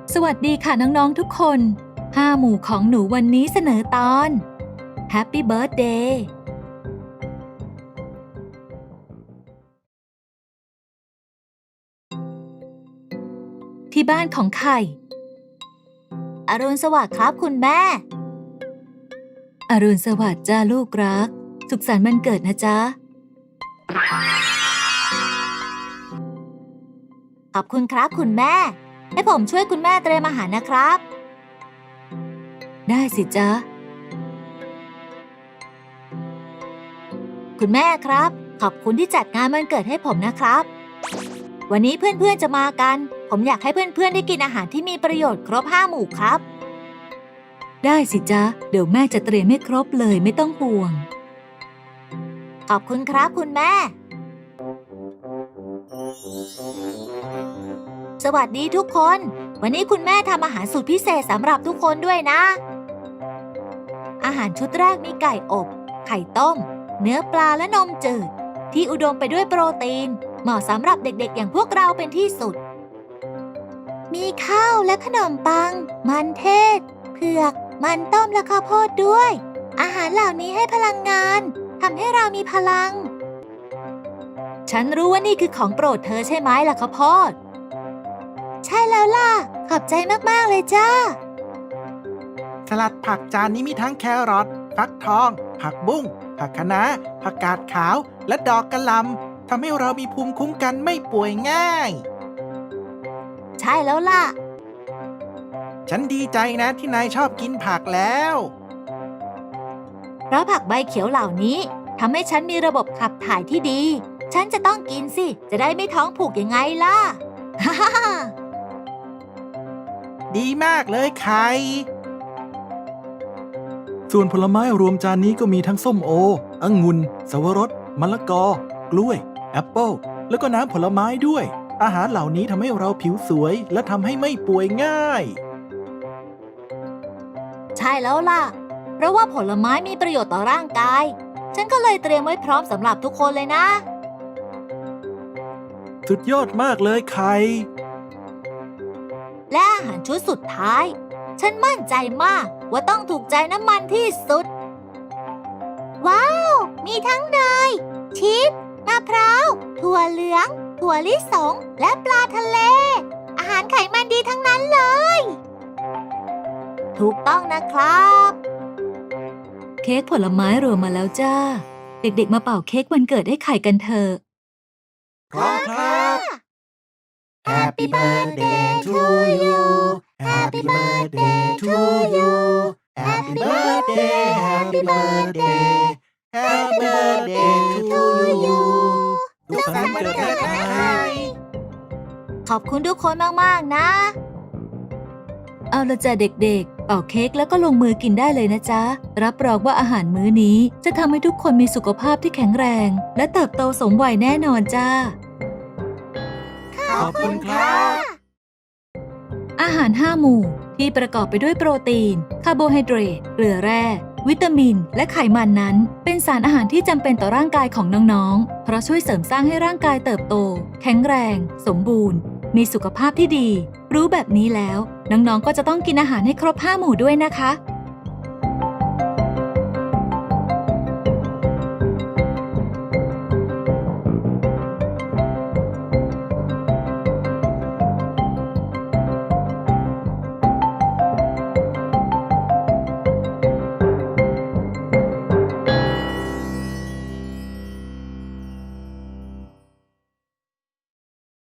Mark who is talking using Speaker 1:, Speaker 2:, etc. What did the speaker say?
Speaker 1: สวัสดีค่ะน้องๆทุกคน5หมู่ของหนูวันนี้เสนอตอน Happy Birthday ที่บ้านของไข่อรุณสวัสดิ์ครับคุณแม่อรุณสวัสดิ์จ้าลูกรักสุขสันต์วันเกิดนะจ๊ะขอบคุณครับคุณแม่ให้ผมช่วยคุณแม่เตรียมอาหารนะครับได้สิจ๊ะคุณแม่ครับขอบคุณที่จัดงานวันเกิดให้ผมนะครับวันนี้เพื่อนๆจะมากันผมอยากให้เพื่อนๆได้กินอาหารที่มีประโยชน์ครบ5หมู่ครับได้สิจ๊ะเดี๋ยวแม่จะเตรียมให้ครบเลยไม่ต้องห่วงขอบคุณครับคุณแม่สวัสดีทุกคนวันนี้คุณแม่ทำอาหารสูตรพิเศษสำหรับทุกคนด้วยนะอาหารชุดแรกมีไก่อบไข่ต้มเนื้อปลาและนมจืดที่อุดมไปด้วยโปรตีนเหมาะสำหรับเด็กๆอย่างพวกเราเป็นที่สุดมีข้าวและขนมปังมันเทศเผือกมันต้มและข้าวโพดด้วยอาหารเหล่านี้ให้พลังงานทำให้เรามีพลังฉันรู้ว่านี่คือของโปรดเธอใช่ไหมล่ะข้าวโพดใช่แล้วล่ะขอบใจมากๆเลยจ้า
Speaker 2: สลัดผักจานนี้มีทั้งแครอทฟักทองผักบุ้งผักคะน้าผักกาดขาวและดอกกะหล่ำทำให้เรามีภูมิคุ้มกันไม่ป่วยง่าย
Speaker 1: ใช่แล้วล่ะ
Speaker 2: ฉันดีใจนะที่นายชอบกินผักแล้ว
Speaker 1: เพราะผักใบเขียวเหล่านี้ทำให้ฉันมีระบบขับถ่ายที่ดีฉันจะต้องกินสิจะได้ไม่ท้องผูกยังไงล่ะ
Speaker 2: ดีมากเลยไข่
Speaker 3: ส่วนผลไม้รวมจานนี้ก็มีทั้งส้มโอองุ่นสวรสมะละกอกล้วยแอปเปิลแล้วก็น้ำผลไม้ด้วยอาหารเหล่านี้ทำให้เราผิวสวยและทำให้ไม่ป่วยง่าย
Speaker 1: ใช่แล้วล่ะเพราะว่าผลไม้มีประโยชน์ต่อร่างกายฉันก็เลยเตรียมไว้พร้อมสำหรับทุกคนเลยนะ
Speaker 3: สุดยอดมากเลยไข่
Speaker 1: และอาหารชุดสุดท้ายฉันมั่นใจมากว่าต้องถูกใจน้ำมันที่สุดว้าวมีทั้งเนยชีสมะพร้าวถั่วเหลืองถั่วลิสงและปลาทะเลอาหารไขมันดีทั้งนั้นเลยถูกต้องนะครับเค้กผลไม้รวมมาแล้วจ้าเด็กๆมาเป่าเค้กวันเกิดให้ไข่กันเถอะ
Speaker 2: พร้อมครับ Happy birthday to you Happy birthday to you Happy birthday Happy birthday Happy birthday to you สุขสันต์วันเกิดนะไข่
Speaker 1: ขอบคุณทุกคนมากๆนะเอาละจ้ะเด็กๆเป่าเค้กแล้วก็ลงมือกินได้เลยนะจ๊ะรับรองว่าอาหารมื้อนี้จะทำให้ทุกคนมีสุขภาพที่แข็งแรงและเติบโตสมวัยแน่นอนจ้า
Speaker 2: ขอบคุณครับ
Speaker 1: อาหาร5หมู่ที่ประกอบไปด้วยโปรตีนคาร์โบไฮเดรตเกลือแร่วิตามินและไขมันนั้นเป็นสารอาหารที่จำเป็นต่อร่างกายของน้องๆเพราะช่วยเสริมสร้างให้ร่างกายเติบโตแข็งแรงสมบูรณ์มีสุขภาพที่ดีรู้แบบนี้แล้วน้องๆก็จะต้องกินอาหารให้ครบ5หมู่ด้วยนะคะ